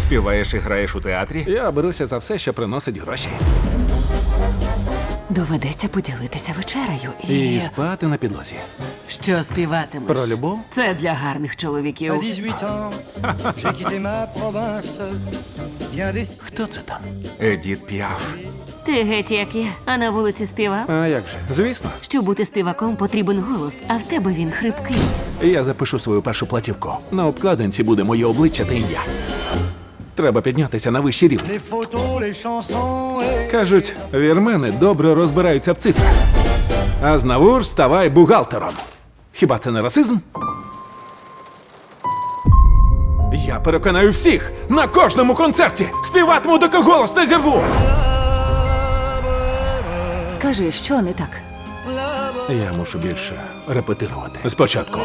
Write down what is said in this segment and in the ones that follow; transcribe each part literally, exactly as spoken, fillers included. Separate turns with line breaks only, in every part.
Співаєш і граєш у театрі?
Я беруся за все, що приносить гроші.
Доведеться поділитися вечерею і...
І спати на підлозі.
Що співатимеш?
Про любов?
Це для гарних
À
чоловіків.
dix-huit ans, j'ai quitté ma province. Bien des...
Хто це там?
Едіт Піаф.
Ти геть як я, а на вулиці співав.
А як же? Звісно.
Щоб бути співаком, потрібен голос, а в тебе він хрипкий.
Я запишу свою першу платівку. На обкладинці буде моє обличчя та ім'я. Треба піднятися на вищий рівень.
Les photos, les chansons et...
Кажуть, вірмени добре розбираються в цифрах. А знавур ставай бухгалтером. Хіба це не расизм? Я переконаю всіх на кожному концерті. Співатиму, доки голос не зірву.
Скажи, що не так?
Я мушу більше репетирувати. Спочатку.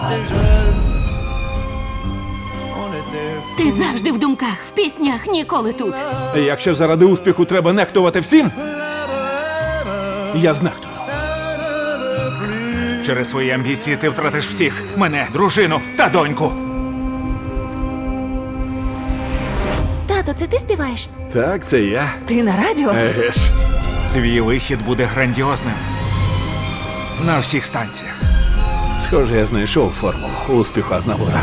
On était...
Ти завжди в думках, в піснях, ніколи тут.
Якщо заради успіху треба нехтувати всім, я знехтую.
Через свої амбіції ти втратиш всіх. Мене, дружину та доньку.
Тато, це ти співаєш?
Так, це я.
Ти на радіо?
Еге ж.
Твій вихід буде грандіозним. На всіх станціях.
Схоже, я знайшов формулу успіху Азнавура.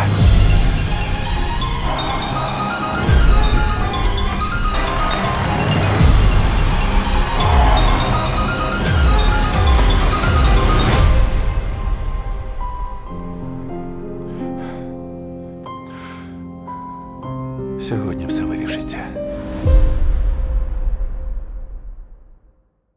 Сьогодні все вирішиться.